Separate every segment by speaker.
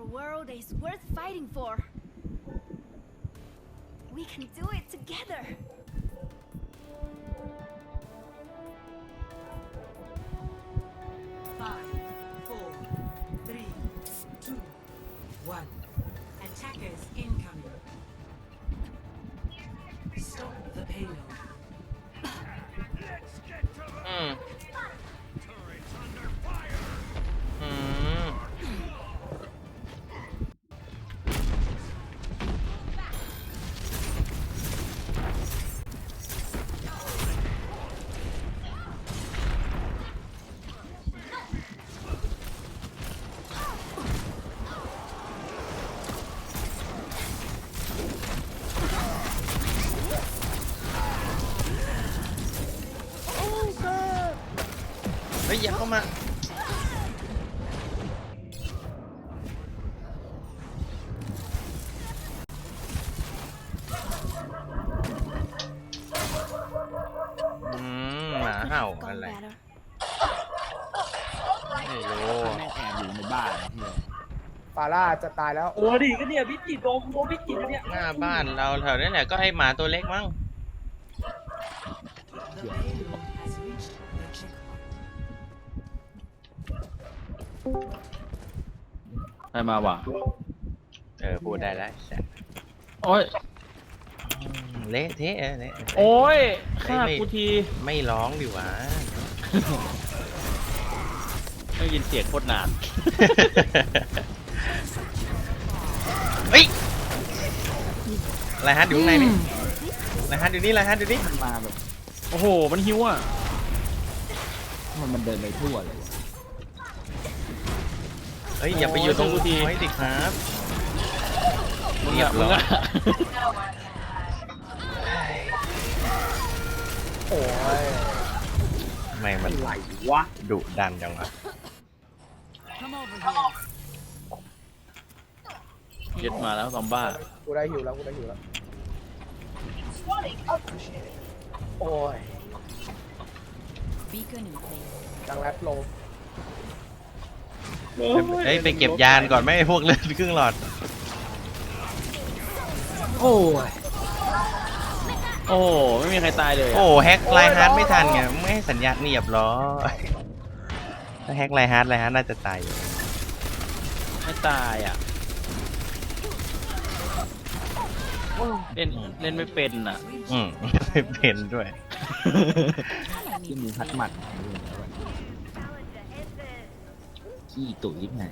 Speaker 1: world is worth fighting for. We can do it together.
Speaker 2: Five, 4, 3, 2, 1. Attackers incoming. Stop the payload.
Speaker 3: อืมอืมเฮ้ยอย่าเข้ามาหมาเห่า
Speaker 1: Gone
Speaker 3: อะไร
Speaker 1: better.
Speaker 3: ไม่รู้
Speaker 4: แม่งแอบอยู่ในบ้านเฮีย
Speaker 5: ฟาร่าจะตายแล้ว
Speaker 6: ดิก็เนี่ยพิจิตรโดนพิจิตรเนี่ย
Speaker 3: หน้าบ้านเราแถวนี้แหละก็ไอหมาตัวเล็กมั้ง
Speaker 2: The payload has reached the checkpoint.
Speaker 4: ใครมาวะ
Speaker 3: พูดได้แล้วแซ่
Speaker 4: โอ้ย
Speaker 3: เละเทะเละ
Speaker 4: โอ้ยฆ่ากูที
Speaker 3: ไม่ร้องดิวะ
Speaker 4: ไม่ยินเสียงโคตรนาน
Speaker 3: เฮ้ยไรฮัทอยู่ข้างในนี่ไรฮัทอยู่นี่ไรฮัทอยู่นี่
Speaker 4: มันมาแบบ โอ้โห มันหิวอ่ะ มันเดินไปทั่วเลยวะ
Speaker 3: เฮ้ยอย่าไปอยู่ตรง
Speaker 4: โอ้ย
Speaker 3: ทีไว้ดิครับ
Speaker 4: มึง
Speaker 3: เรีย
Speaker 4: อะ
Speaker 3: บ
Speaker 4: มึ
Speaker 3: ร้
Speaker 4: ง
Speaker 3: อย
Speaker 4: อะ
Speaker 5: โอ้ย
Speaker 3: ทำไมมัน
Speaker 4: ไหลวะ
Speaker 3: ดุดันจังวะ
Speaker 1: Come over here.
Speaker 4: ยึดมาแล้วซอมบ้า
Speaker 5: กูได้หิวแล้วกูได้หิวแล้ว โอ้ย
Speaker 1: Beacon in place.
Speaker 5: ดังแรปโล
Speaker 3: เฮ้ยไปเก็บยานก่อนไหมไอ้พวกเลือดครึ่งหลอด
Speaker 4: โอ้ย โอ้โห ไม่มีใครตายเลยอะ
Speaker 3: โอ้แฮกไลฮาร์ดไม่ทันไงไม่ให้สัญญาณเรียบร้อยถ้าแฮกไลฮาร์ดน่าจะตายอยู่
Speaker 4: ไม่ตายอ่ะ เล่นไม่เป็นอ่ะ
Speaker 3: ไม่เป็นด้วย
Speaker 4: ที่มีพัดหมัดขี้ตุ๋ยไหน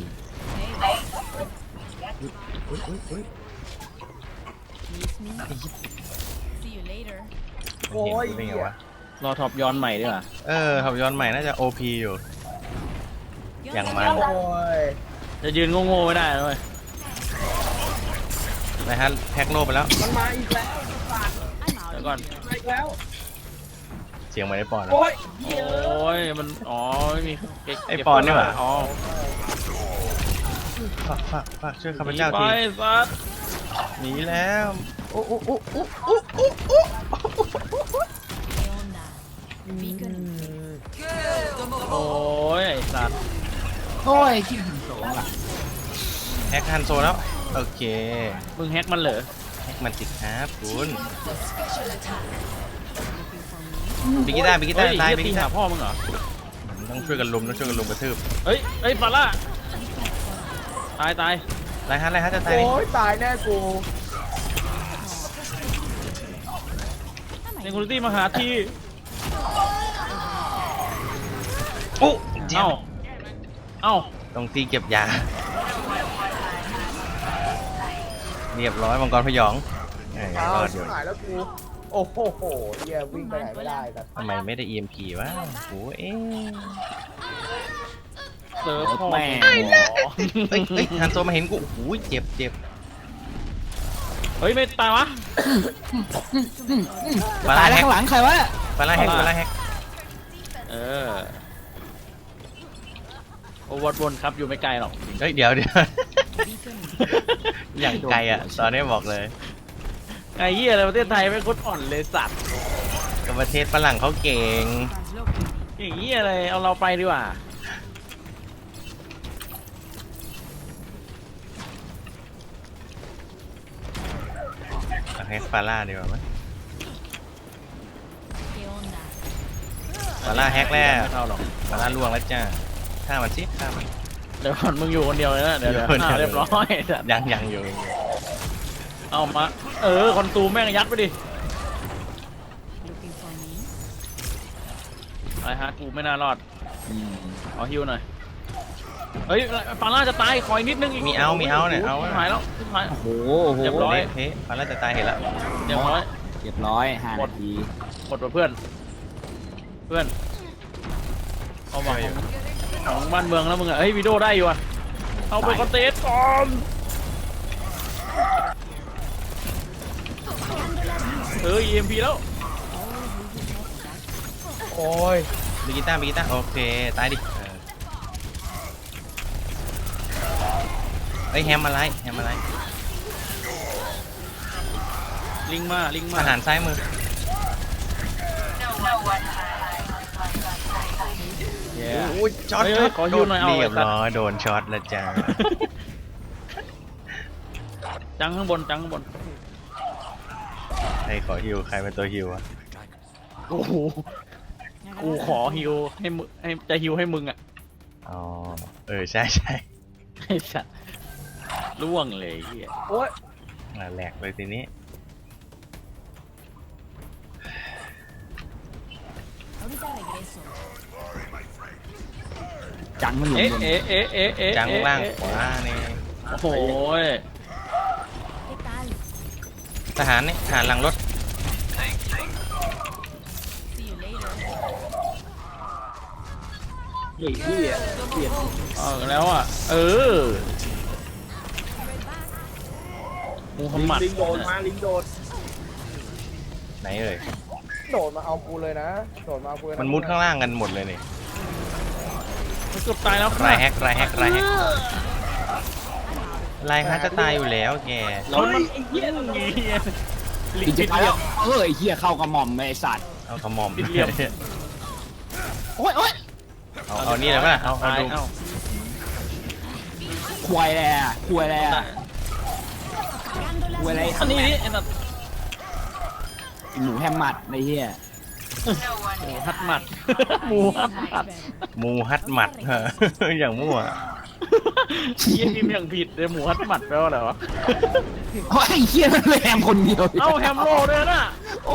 Speaker 1: Miss me? See you later.
Speaker 5: โอ้ย
Speaker 3: เป็นไงวะ
Speaker 4: รอท็อปย้อนใหม่ดีกว่า
Speaker 3: ขับย้อนใหม่น่าจะ OP อยู่ อย่างมัน
Speaker 5: โอ้ย
Speaker 4: จะยืนโง่ๆไม่ได้เลย
Speaker 3: นะฮะแฮกโลไปแล้ว
Speaker 5: มันมาอีกแล้ว
Speaker 1: I'm out.
Speaker 4: เดี๋ยวก่อน
Speaker 5: มาอีกแล้ว
Speaker 3: เสียงไม่ได้ปอนแล้ว
Speaker 5: โอ้ย
Speaker 4: โอ้ย มัน อ๋อ ไม่มีเก็บ
Speaker 3: ไอ้ปอนนี่หว่า
Speaker 4: อ๋อ
Speaker 3: ฝากช่วยข้าพเจ้า
Speaker 4: ไป
Speaker 3: ที
Speaker 4: สัส
Speaker 3: หนีแล้วโอ้
Speaker 1: Hell nah. Beacon in place.
Speaker 4: โอ้ย ไอ้สัส
Speaker 3: แฮกฮันโซแล้ว โอเค
Speaker 4: มึงแฮกมันเหรอ
Speaker 3: แฮกมันติดครับคุณ
Speaker 1: Looking for me?
Speaker 3: บิกิต้า
Speaker 4: เฮ้ย
Speaker 3: ตาย
Speaker 4: เหี้ย
Speaker 3: บิ
Speaker 4: ตี
Speaker 3: กิ
Speaker 4: หา
Speaker 3: ต้า
Speaker 4: พ่อมึงเหรอ
Speaker 3: ต้องช่วยกันลุมกระทืบ
Speaker 4: เฮ้ย เฮ้ยฟาร่าตาย
Speaker 3: ไรฮะจะตาย
Speaker 5: โอ้ยตายแน่กู
Speaker 4: เซนคูริตี้มาหาที่
Speaker 3: โอ้เจ้า
Speaker 4: เอ้า
Speaker 3: ต้องตีเก็บยา เรียบร้อยมังกรพยองร
Speaker 5: อ้าว
Speaker 3: อดอ
Speaker 5: ชิบ
Speaker 3: ยู่
Speaker 5: หายแล้วกู โอ้โหเฮียวิ่งไปไหนไม่ได้แต่
Speaker 3: ทำไมไม่ได้ EMP วะโอ้เอ๊ะ
Speaker 4: เซิร์ฟพ่อแม่
Speaker 3: เฮ้ยฮันโซมาเห็นกูโอ้โหเจ็บ
Speaker 4: เฮ้ย ไม่ตายวะ
Speaker 3: ฟาร่าแฮก
Speaker 4: ข้างหลังใครวะ
Speaker 3: ฟาร่าแฮก
Speaker 4: เออ โอวัดวนครับอยู่ไม่ไกลหรอก
Speaker 3: เฮ้ยเดี๋ยว
Speaker 1: Beacon in place.
Speaker 3: อย่างไกลอ่ะตอนนี้บอกเลย
Speaker 4: ไอ้เหี้ยอะไรประเทศไทยไม่โคตรอ่อนเลยสัตว์
Speaker 3: กับประเทศฝรั่งเขาเก่ง
Speaker 1: Translocating.
Speaker 4: อย่างเหี้ยอะไรเอาเราไปดีกว่า
Speaker 3: แฮกฟาร่าดีกว่าไหม
Speaker 1: ¿Qué onda?
Speaker 3: ฟาร่าแฮกแล้ว
Speaker 4: ไม่เข้าหรอก
Speaker 3: ฟาร่าล่วงแล้วจ้าฆ่ามันสิฆ่ามัน
Speaker 4: เดี๋ยวก่อนมึงอยู่คนเดียวเลยนะเดี๋ยว
Speaker 3: อยู่คนเดียว
Speaker 4: เรียบร้อยสัตว์
Speaker 3: ยังอยู่
Speaker 4: เอามาคอนซูมแม่งยัดไปดิ
Speaker 1: Looking for me?
Speaker 4: อะไรฮะกูไม่น่ารอดเอาฮิวหน่อยเฮ้ยฟาร่าจะตายคอยนิดนึงอีก
Speaker 3: มีเอาเนี่ยเอา
Speaker 4: หายแล้วหาย
Speaker 7: โอ้โห
Speaker 4: เรียบร้อย
Speaker 3: เฮ้ฟาร่าจะตายเห็นแล้ว
Speaker 4: เรียบร้อย
Speaker 7: เรียบร้อย5 นาที
Speaker 4: หมดว่ะเพื่อนเอามาของบ้านเมืองแล้วมึงอะเฮ้ยวิดีโอได้อยู่อะเอาไปคอนเทสก่อนEMP แล้ว
Speaker 5: โอ้ย
Speaker 3: บิกิต้าโอเคตายดิเฮ้ยแฮมอะไร
Speaker 4: ลิงมา
Speaker 3: อาหารซ้ายมือ
Speaker 4: เย้
Speaker 3: โอ้ยช็อต
Speaker 4: เฮ้ยขอฮิวหน่อยเอา
Speaker 3: เรียบ
Speaker 4: ไอ้สัตว์
Speaker 3: ร้อยโดนช็อตแล้วจ้า
Speaker 4: จังข้างบน
Speaker 3: ใครขอฮิวใครเป็นตัวฮิวอะ
Speaker 4: โอ้โหกูขอฮิวให้มึงจะฮิวให้มึงอะ
Speaker 3: อ๋อใช่
Speaker 4: ไอ้สัสล่วงเลยเฮีย
Speaker 5: โอ้ย
Speaker 3: แหลกเลยทีนี้
Speaker 1: Ahorita regreso.
Speaker 7: จังมันอยู่บน
Speaker 3: จังล่างขวานี่
Speaker 4: โอ้โห
Speaker 1: ¿Qué tal?
Speaker 3: ทหารหลังรถ
Speaker 1: See you later.
Speaker 7: เฮ้ยเหี้ยเปลี่ยน
Speaker 4: แล้วอ่ะมูฮัมหมัด
Speaker 6: ลิงโดนมาลิงโดน
Speaker 3: ไหนเอ่ย
Speaker 5: โดดมาเอากูเลยนะโดดมาเอากูเลยะ
Speaker 3: มันมุดข้างล่างกันหมดเลยนี่
Speaker 4: มันเกือบตายแล้ว
Speaker 3: รายแฮกรายแฮกจะตายอยู่แล้วแก
Speaker 4: แล้วมันไอ้เหี้ยลิ
Speaker 7: อี
Speaker 4: ง
Speaker 7: กจะ
Speaker 4: ปิด
Speaker 7: ตาย
Speaker 4: เหลี่
Speaker 7: แล้
Speaker 4: ยว ม
Speaker 7: ไอ้เหี้ยเข้ากระหม่อมไอ้สัตว์
Speaker 3: เอากระหม่อม
Speaker 4: ปิดเหลี่ยม
Speaker 7: โอ้ย
Speaker 3: เอานี่เลยป่ะเอา
Speaker 4: ตาย
Speaker 3: ดู
Speaker 7: ควายแหละควายแหละควายอะไร
Speaker 4: อันนี้ไอ้สัส
Speaker 7: หมูแฮมมัดไอ้เหี้ย
Speaker 4: หมูฮัดหมัดหมูฮัดหมัด
Speaker 3: มูฮัดหมัด อย่างมั่ว
Speaker 4: เหี้ยพิมพ์อย่างผิดเลยหมูฮัดหมัดแปลว่าอะไรวะ
Speaker 7: โอ้ยไอ้เหี้ยมันแฮมคนเดียว
Speaker 4: เอ้าแฮมโร่ด้วยนะ
Speaker 7: โอ้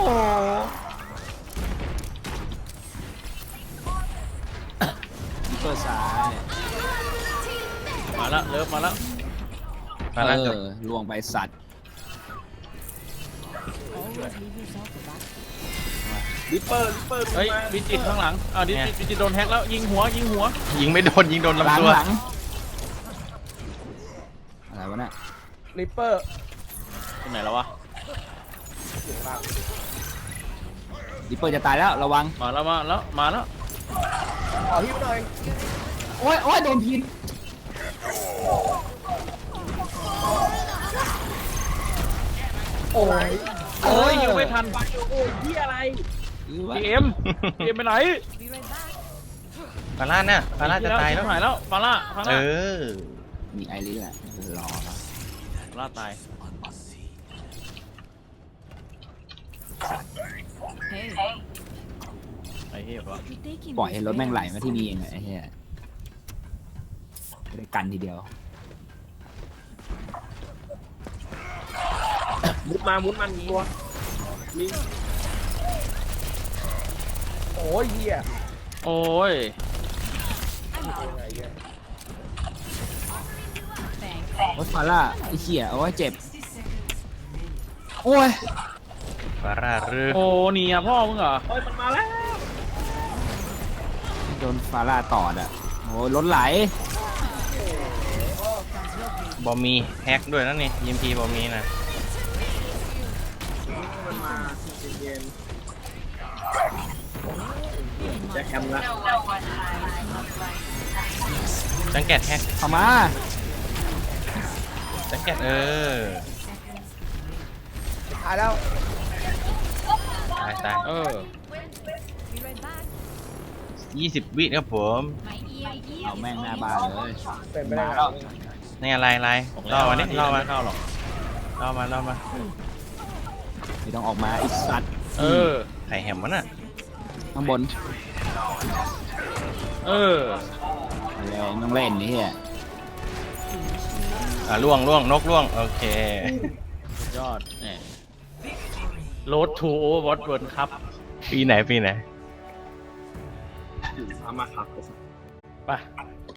Speaker 7: เปิดซ้าย
Speaker 4: มาแล้วเลิฟมาแล้ว
Speaker 3: มาแล้วจบ
Speaker 7: ลวงไปสัตว์
Speaker 1: Always leave yourself a back.
Speaker 6: ลิปเปอร์
Speaker 4: เฮ้ยวิจิตรข้างหลังวิจิตรโดนแฮกแล้วยิงหัว
Speaker 3: ยิงไม่โดนยิงโดน
Speaker 7: หลัง
Speaker 3: ลำตัว
Speaker 7: หลังอะไรวะเนี่ย
Speaker 5: ริปเปอร์
Speaker 4: ที่ไหนแล้ววะ
Speaker 5: อยู่ข้างล่าง
Speaker 7: ดิปเปอร์จะตายแล้วระวัง
Speaker 4: มาแล้ว
Speaker 5: ขอฮิวหน่อย
Speaker 7: โอ้ยโดนพิน
Speaker 5: โอ้ย
Speaker 4: โอ้ยยิงไม่ทัน
Speaker 6: โอ้ยที่อะไร
Speaker 4: พีเอ็มไปไหน
Speaker 1: Be right back.
Speaker 3: ฟาร่าจะตายแล้ว
Speaker 4: หายแล้วฟาร่า
Speaker 7: มีไอริสแหละรอครับ
Speaker 4: ฟาร่าตาย
Speaker 1: Hey,
Speaker 4: ไอ้เหี้ยปะ
Speaker 1: you taking
Speaker 7: ปล่อยให้
Speaker 1: this
Speaker 7: รถแม่งไหล
Speaker 1: very
Speaker 7: มาที่นี่เองไอ้เหี้ยไม่ได้กันทีเดียว
Speaker 6: มุดมันตัวลิง
Speaker 5: โอ้ยเหี้ย
Speaker 4: โอ้ย
Speaker 5: อะไรเงี้ย
Speaker 1: Thanks.
Speaker 7: โอ้ยฟาร่าไอ้เหี้ยโอ้ยเจ็บโอ้ย
Speaker 3: ฟาร่าหรือ
Speaker 4: โอ้หนีอ่ะพ่อมึงเหรอ
Speaker 6: โอ้ยมันมาแล้ว
Speaker 7: โดนฟาร่าตอดอ่ะโอ้ยรถไหล
Speaker 3: บอมีแฮกด้วยนั่นนี่ยิมพีบอมีนะ
Speaker 6: มันมาเย็นๆจะแคมละ
Speaker 3: จังแกตแฮก
Speaker 7: เข้ามา
Speaker 3: จังแกต
Speaker 5: ตายแล้ว
Speaker 3: ตาย
Speaker 4: เออ
Speaker 1: Be right back.
Speaker 3: 20 วิครับผม
Speaker 1: My ear
Speaker 7: เอาแม่งหน้าบ้านเลย
Speaker 5: เป็นไปได้
Speaker 7: มา
Speaker 5: ไง
Speaker 7: แล้ว
Speaker 3: นี่อะไรล่อมานี่ล่อมา
Speaker 4: เข้าหรอก
Speaker 3: ล่อมา
Speaker 7: ไม่ต้องออกมาไอ้สัตว์
Speaker 4: เออ
Speaker 3: ไข่แฮมมันอ่ะ
Speaker 7: ข้างบน
Speaker 4: เออ
Speaker 7: อะไรต้องเล่นนี่เฮีย
Speaker 3: ล่วงนกล่วงโอเค
Speaker 4: สุดยอดแหม โรดทูโอเวอร์วอตเวิร์ครับ
Speaker 3: ปีไหน
Speaker 6: เอามาขับไปสัก
Speaker 4: ไป